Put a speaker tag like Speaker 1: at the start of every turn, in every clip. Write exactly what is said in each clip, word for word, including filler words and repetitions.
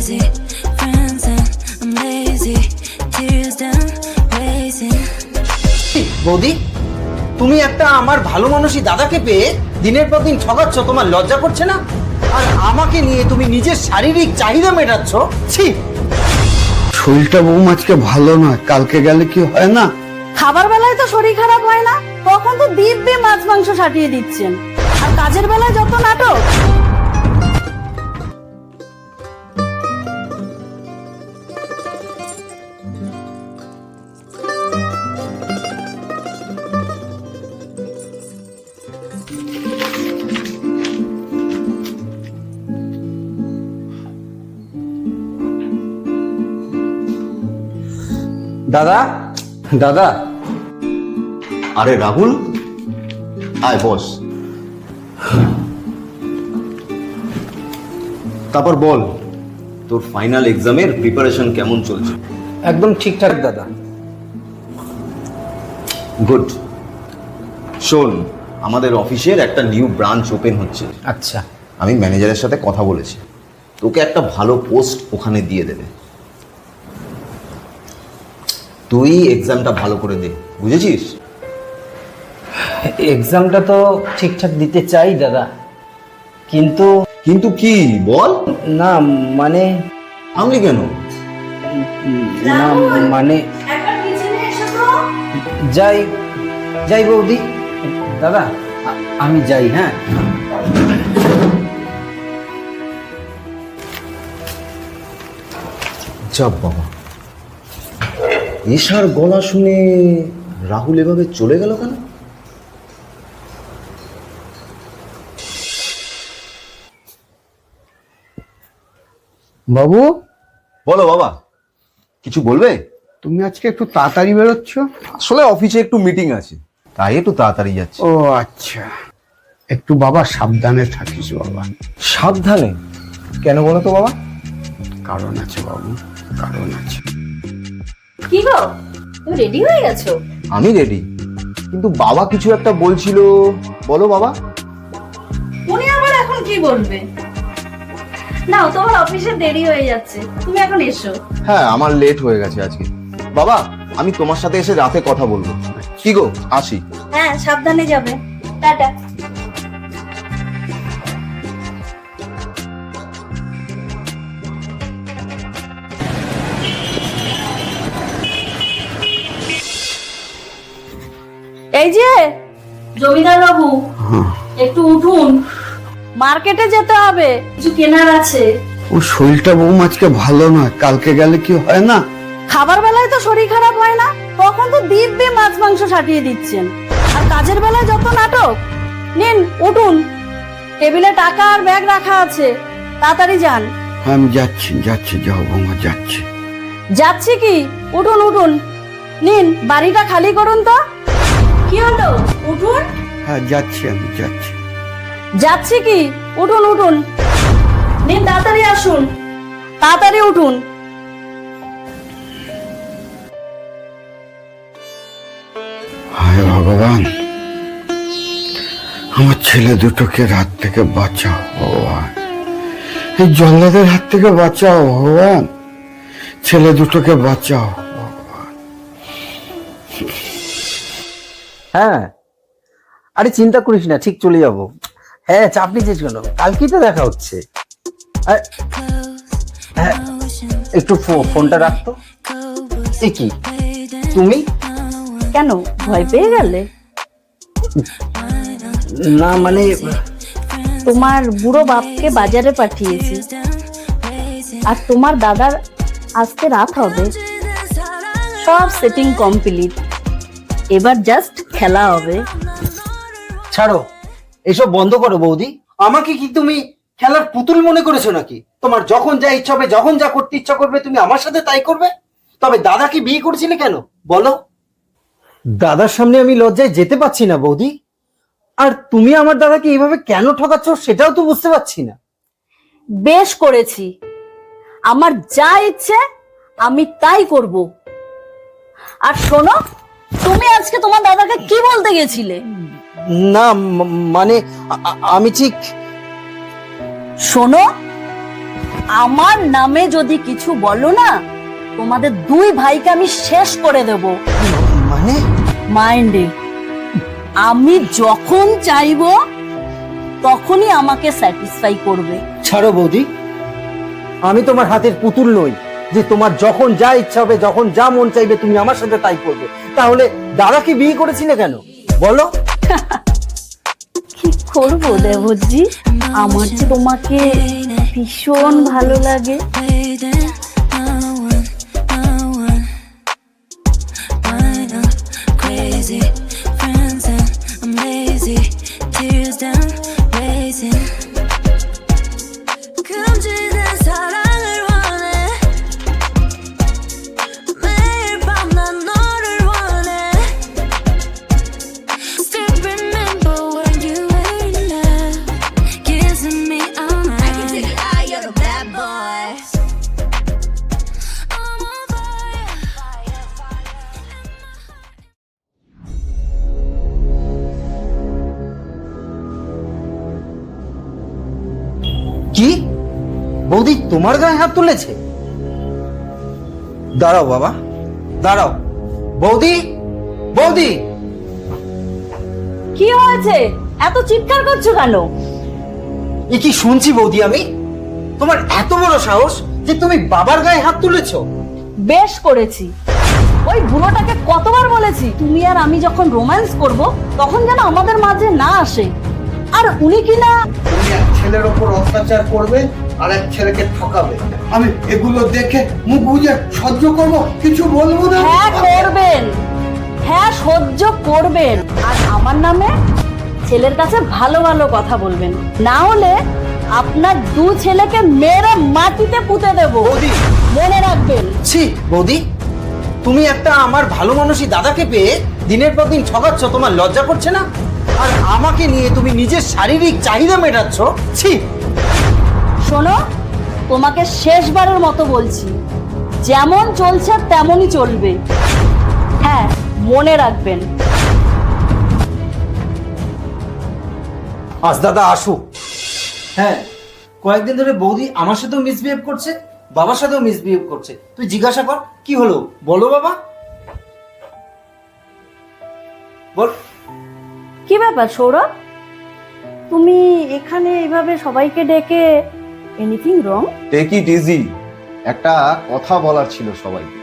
Speaker 1: crazy. Friends and I'm lazy. Tears down, racing.
Speaker 2: বৌদি, তুমি একটা আমার ভালো মানুষই দাদাকে পেয়ে দিনের পর দিন ঠকাচ্ছ, তোমার লজ্জা করছে না? আর আমাকে নিয়ে তুমি নিজের শারীরিক চাহিদা মেটাচ্ছ। ছি!
Speaker 3: শরীরটা বৌমা আজকে ভালো নয়, কালকে গেলে কি হয় না?
Speaker 4: খাবার বেলায় তো শরীর খারাপ হয় না, তখন তো দিব্যি মাছ মাংস সাটিয়ে দিচ্ছেন, আর কাজের বেলায় যত নাটক।
Speaker 2: দাদা, দাদা।
Speaker 5: আরে রাহুল, আয় বস। তারপর বল, তোর ফাইনাল এক্সামের প্রিপারেশন কেমন চলছে?
Speaker 2: একদম ঠিকঠাক দাদা।
Speaker 5: গুড। শোন, আমাদের অফিসের একটা নিউ ব্রাঞ্চ ওপেন হচ্ছে।
Speaker 2: আচ্ছা।
Speaker 5: আমি ম্যানেজারের সাথে কথা বলেছি, তোকে একটা ভালো পোস্ট ওখানে দিয়ে দেবে। তুই এক্সামটা ভালো করে দে, বুঝেছিস?
Speaker 2: এক্সামটা তো ঠিকঠাক দিতে চাই দাদা, কিন্তু
Speaker 5: কিন্তু কি বল?
Speaker 2: না মানে
Speaker 5: আমলি কেন?
Speaker 2: না মানে যাই যাই বৌদি। দাদা, আ- আমি যাই। হ্যাঁ,
Speaker 5: যাব বাবা। এশার গলা শুনে রাহুল এভাবে চলে গেল কেন?
Speaker 3: বাবু,
Speaker 5: বলো বাবা, কিছু বলবে?
Speaker 3: তুমি আজকে একটু তাড়াতাড়ি বেরোচ্ছ?
Speaker 5: আসলে অফিসে একটু মিটিং আছে, তাই একটু তাড়াতাড়ি যাচ্ছে।
Speaker 3: ও আচ্ছা, একটু বাবা সাবধানে থাকিস বাবা।
Speaker 2: সাবধানে কেন বলো তো বাবা?
Speaker 3: কারণ আছে বাবু, কারণ আছে।
Speaker 4: কি গো, তুমি রেডি হয়ে গেছো?
Speaker 5: আমি রেডি, কিন্তু বাবা কিছু একটা বলছিল। বলো বাবা।
Speaker 4: উনি আবার এখন কি বলবে? নাও, তোমার অফিসে দেরি হয়ে যাচ্ছে, তুমি এখন এসো।
Speaker 5: হ্যাঁ, আমার লেট হয়ে গেছে আজকে। বাবা, আমি তোমার সাথে এসে রাতে কথা বলবো। কি গো, আসি।
Speaker 4: হ্যাঁ, সাবধানে যাবে। টাটা। এই যে জমিদার বাবু, একটু উঠুন, মার্কেটে যেতে হবে, কিছু কেনার আছে।
Speaker 3: ও শরীরটা বৌমা আজকে ভালো নয়, কালকে গেলে কি হয় না?
Speaker 4: খাবার বেলায় তো শরীর খারাপ হয় না, তখন তো দিব্যি মাছ মাংস সাটিয়ে দিচ্ছেন, আর কাজের বেলায় যত নাটক। নিন, উঠুন, টেবিলে টাকা আর ব্যাগ রাখা আছে, তাড়াতাড়ি যান।
Speaker 3: হ্যাঁ, আমি যাচ্ছি যাচ্ছি যাও বৌমা, যাচ্ছি।
Speaker 4: যাচ্ছি কি? উঠুন উঠুন, নিন, বাড়িটা খালি করুন তো। কি হলো, উঠুন।
Speaker 3: হ্যাঁ, যাচ্ছি, আমি যাচ্ছি।
Speaker 4: যাচ্ছি কি? উঠুন উঠুন, নিন, তাড়াতাড়ি আসুন, তাড়াতাড়ি উঠুন।
Speaker 3: হায় ভগবান, আমার ছেলে দুটোকে রাত থেকে বাঁচাও ভগবান, এই জল্লাদের হাত থেকে বাঁচাও ভগবান, ছেলে দুটোকে বাঁচাও ভগবান।
Speaker 2: হ্যাঁ, আরে চিন্তা করিস না, ঠিক চলে যাব। হ্যাঁ, চাপ নিচ্ছিস কেন? কালকেই তো দেখা হচ্ছে। আর- হ্যাঁ, একটু ফো- ফোনটা রাখতো। এ কি, তুমি?
Speaker 4: কেন, ভয় পেয়ে গেলে?
Speaker 2: না মানে
Speaker 4: তোমার বুড়ো বাপকে বাজারে পাঠিয়েছি, আর তোমার দাদার আজকে রাত হবে, সব সেটিং কমপ্লিট, এবার জাস্ট খেলা হবে।
Speaker 2: ছাড়ো, এসব বন্ধ করো বৌদি। আমাকে কি তুমি খেলার পুতুল মনে করেছো নাকি? তোমার যখন যা ইচ্ছা হবে, যখন যা করতে ইচ্ছা করবে, তুমি আমার সাথে তাই করবে। তবে দাদাকে বিয়ে করেছিলে কেন বলো? দাদার সামনে আমি লজ্জায় যেতে পারছি না বৌদি। আর তুমি আমার দাদাকে এইভাবে কেন ঠকাচ্ছ সেটাও তো বুঝতে পারছি না।
Speaker 4: বেশ করেছি, আমার যা ইচ্ছে আমি তাই করব। আর শোনো, তুমি আজকে তোমার দাদাকে কি বলতে গেছিলে?
Speaker 2: না ম- মানে আ- আ- আমি ঠিক
Speaker 4: শোনো, আমার নামে যদি কিছু বলো না, তোমাদের দুই ভাইকে আমি শেষ করে দেব।
Speaker 2: মানে
Speaker 4: মাইন্ডে আমি যখন চাইবো তখনই আমাকে স্যাটিসফাই করবে।
Speaker 2: ছাড়ো বৌদি, আমি তোমার হাতের পুতুল নই যে তোমার যখন যা ইচ্ছা হবে, যখন যা মন চাইবে তুমি আমার সাথে তাই করবে। তাহলে দাদাকে বিয়ে করেছিলে কেন বলো?
Speaker 4: কি করবো দেবজি, আমার যে তোমাকে ভীষণ ভালো লাগে।
Speaker 1: Waiting, no one, no one. Mind, I'm crazy. Friends and I'm lazy. Tears down, racing. 금지된 사랑을 원해. 매일 밤 난 너를 원해. Still remember when you were in love, kissing me all night. I can take it out, you're the bad boy. I'm on fire, fire, fire.
Speaker 2: কি বৌদি তোমার গায়ে হাত তুলেছে? দাঁড়াও বাবা, দাঁড়াও। বৌদি, বৌদি,
Speaker 4: কি হয়েছে, এত চিৎকার করছো কেন?
Speaker 2: এ কি শুনছি বৌদি আমি? তোমার এত বড় সাহস যে তুমি বাবার গায়ে হাত তুলেছো?
Speaker 4: বেশ করেছি। ওই বুড়োটাকে কতবার বলেছি তুমি আর আমি যখন রোম্যান্স করব তখন যেন আমাদের মাঝে না আসে। আর উনি কিনা
Speaker 3: তুমি এক ছেলের ওপর অত্যাচার করবে আর এক ছেলেকে ঠকাবে। আমি এগুলো দেখে মুখ বুজে সহ্য করব, কিছু বলবো না।
Speaker 4: হ্যাঁ করবেন, হ্যাঁ সহ্য করবেন। আর আমার নামে ছেলের কাছে ভালো ভালো কথা বলবেন, না হলে আপনার দু ছেলেকে মেরে মাটিতে পুঁতে দেব।
Speaker 2: বৌদি,
Speaker 4: মনে রাখবেন।
Speaker 2: ছি বৌদি, তুমি একটা আমার ভালো মানুষই দাদাকে পেয়ে দিনের পর দিন ঠকাচ্ছ, তোমার লজ্জা করছে না? আর আমাকে নিয়ে তুমি নিজের শারীরিক চাহিদা মেটাচ্ছ। ছি।
Speaker 4: শোনো, তোমাকে শেষবারের মতো বলছি, যেমন চলছে তেমনই চলবে। হ্যাঁ মনে রাখবেন।
Speaker 2: আজ দাদা আসুক। হ্যাঁ, কয়েকদিন ধরে বৌদি আমার সাথেও মিসবিহেভ করছে, বাবার সাথেও মিসবিহেভ করছে। তুই জিজ্ঞাসা কর কি হলো, বলো বাবা, বল।
Speaker 4: কি ব্যাপার সৌরভ, তুমি এখানে এইভাবে সবাইকে ডেকে anything wrong?
Speaker 5: Take it easy, একটা কথা বলার ছিল সবাইকে।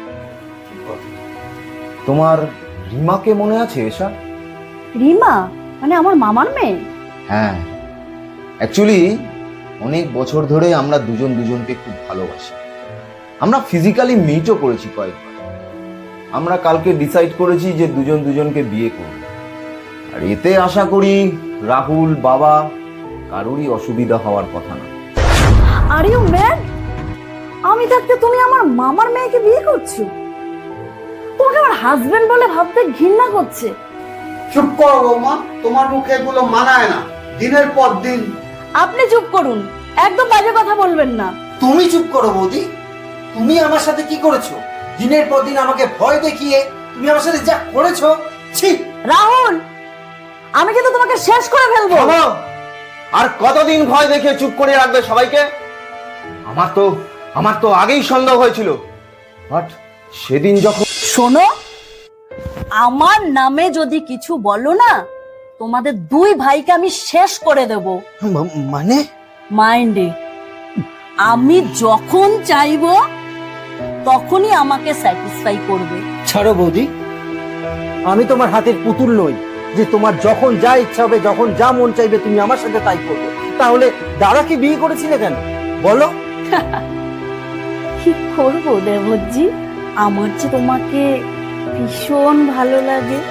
Speaker 5: তোমার রিমাকে মনে আছে এসা?
Speaker 4: রিমা মানে আমার মামার মেয়ে?
Speaker 5: হ্যাঁ, অ্যাকচুয়ালি অনেক বছর ধরে আমরা দুজন দুজনকে খুব ভালোবাসি। আমরা ফিজিক্যালি মিটও করেছি কয়েকবার। আমরা কালকে ডিসাইড করেছি যে দুজন দুজনকে বিয়ে করব। আর এতে আশা করি রাহুল, বাবা কারোরই অসুবিধা হওয়ার কথা না।
Speaker 4: Are you mad? আমি থাকতে তুমি আমার মামার মেয়েকে বিয়ে করছো? তোমাকে আমার হাজবেন্ড বলে ভাবতে ঘৃণা করছে।
Speaker 3: চুপ করো বৌমা, তোমার মুখে এগুলো মানায় না। দিনের পর দিন
Speaker 4: আপনি চুপ করুন, একদম বাজে কথা বলবেন না।
Speaker 2: তুমি চুপ করো বৌদি। তুমি আমার সাথে কি করেছো? দিনের পর দিন আমাকে ভয় দেখিয়ে তুমি আমার সাথে যা করেছো, ছি।
Speaker 4: রাহুল, আমি কিন্তু তোমাকে শেষ করে ফেলবো।
Speaker 5: বাবা, আর কতদিন ভয় দেখে চুপ করে রাখবে সবাইকে? আমার তো আমার তো আগেই সন্দেহ হয়েছিল, বাট সেদিন যখন
Speaker 4: শোনো, আমার নামে যদি কিছু বলো না, তোমাদের দুই ভাইকে আমি শেষ করে দেব।
Speaker 2: মানে
Speaker 4: মাইন্ডে আমি যখন চাইবো তখনই আমাকে স্যাটিসফাই করবে।
Speaker 2: ছাড়ো বৌদি, আমি তোমার হাতের পুতুল নই যে তোমার যখন যা ইচ্ছা হবে, যখন যা মন চাইবে তুমি আমার সাথে তাই করবে। তাহলে দাদাকে বিয়ে করেছিলে কেন বলো?
Speaker 4: কি করবো দেবজি, আমার যে তোমাকে ভীষণ ভালো লাগে।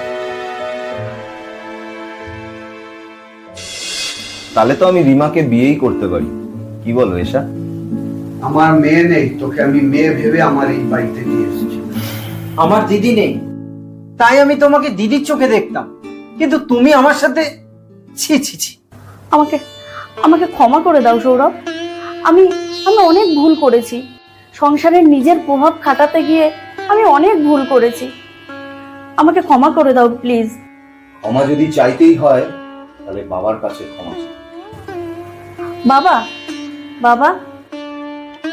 Speaker 5: তাহলে তো আমি রিমাকে বিয়েই করতে পারি, কি বলো এসা?
Speaker 3: আমার মেয়ে নেই, তোকে আমি মেয়ে ভেবে আমার এই বাড়িতে নিয়ে এসেছি।
Speaker 2: আমার দিদি নেই, তাই আমি তোমাকে দিদির চোখে দেখতাম, কিন্তু তুমি আমার সাথে ছি ছি ছি।
Speaker 4: আমাকে আমাকে ক্ষমা করে দাও সৌরভ, আমি আমি অনেক ভুল করেছি। সংসারের নিজের প্রভাব খাটাতে গিয়ে আমি অনেক ভুল করেছি। আমাকে ক্ষমা করে দাও প্লিজ।
Speaker 5: ক্ষমা যদি চাইতেই হয় তাহলে বাবার কাছে ক্ষমা চাই।
Speaker 4: বাবা, বাবা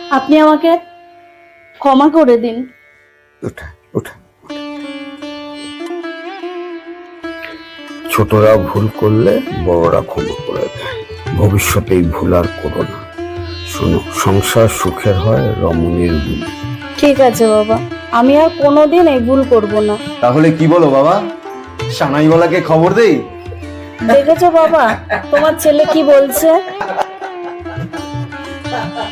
Speaker 4: আপনি আমাকে ক্ষমা করে দিন।
Speaker 3: ওঠা ওঠা ছোটরা ভুল করলে বড়রা ক্ষমা করে দেয়, ভবিষ্যতে এই ভুল আর করো না। শোনো, সংসার সুখের হয় রমণীর গুণে।
Speaker 4: ঠিক আছে বাবা, আমি আর কোনোদিন এই ভুল করব না।
Speaker 5: তাহলে কি বলো বাবা, সানাইওয়ালাকে খবর দেই?
Speaker 4: দেখেছো বাবা, তোমার ছেলে কি বলছে?